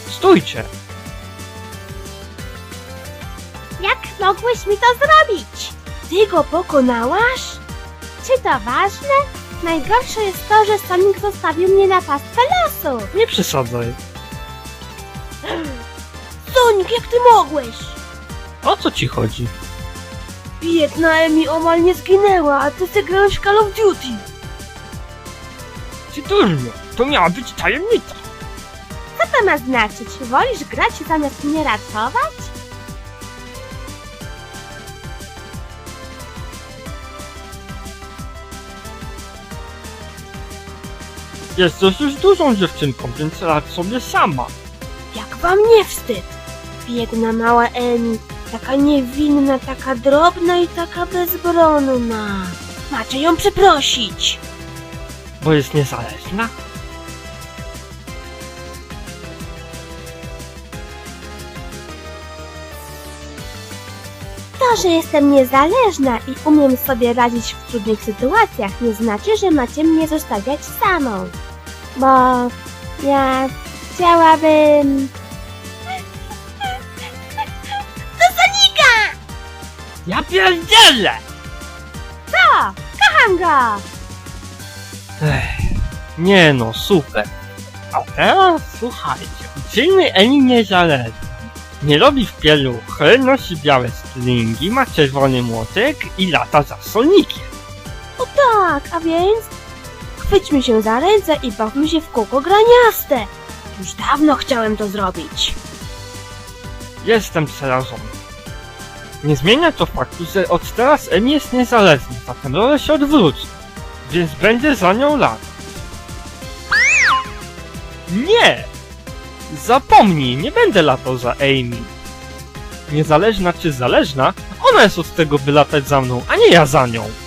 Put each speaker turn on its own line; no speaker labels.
Stójcie!
Jak mogłeś mi to zrobić? Ty go pokonałaś? Czy to ważne? Najgorsze jest to, że Sonic zostawił mnie na pastwę losu.
Nie przesadzaj.
Sonic, jak ty mogłeś?
O co ci chodzi?
Biedna Emi omal nie zginęła, a ty zagrałeś w Call of Duty.
Ty durniu, to miała być tajemnica.
Co to ma znaczyć? Wolisz grać zamiast mnie ratować?
Jesteś już dużą dziewczynką, więc radź sobie sama.
Jak wam nie wstyd? Biedna mała Emi, taka niewinna, taka drobna i taka bezbronna. Macie ją przeprosić.
Bo jest niezależna?
To, że jestem niezależna i umiem sobie radzić w trudnych sytuacjach, nie znaczy, że macie mnie zostawiać samą. Bo ja chciałabym... Do Sonika!
Ja pierdzielę!
Co? Kocham go!
Nie no, super. A teraz słuchajcie, uczyjmy Emi niezależną. Nie robi w pieluchy, nosi białe stringi, ma czerwony młotek i lata za Sonikiem.
O tak, a więc... Chwyćmy się za ręce i bawmy się w kółko graniaste. Już dawno chciałem to zrobić.
Jestem przerażony. Nie zmienia to faktu, że od teraz Emi jest niezależna, zatem role się odwróci. Więc będzie za nią latać. Nie! Zapomnij, nie będę latał za Amy. Niezależna czy zależna, ona jest od tego, by latać za mną, a nie ja za nią.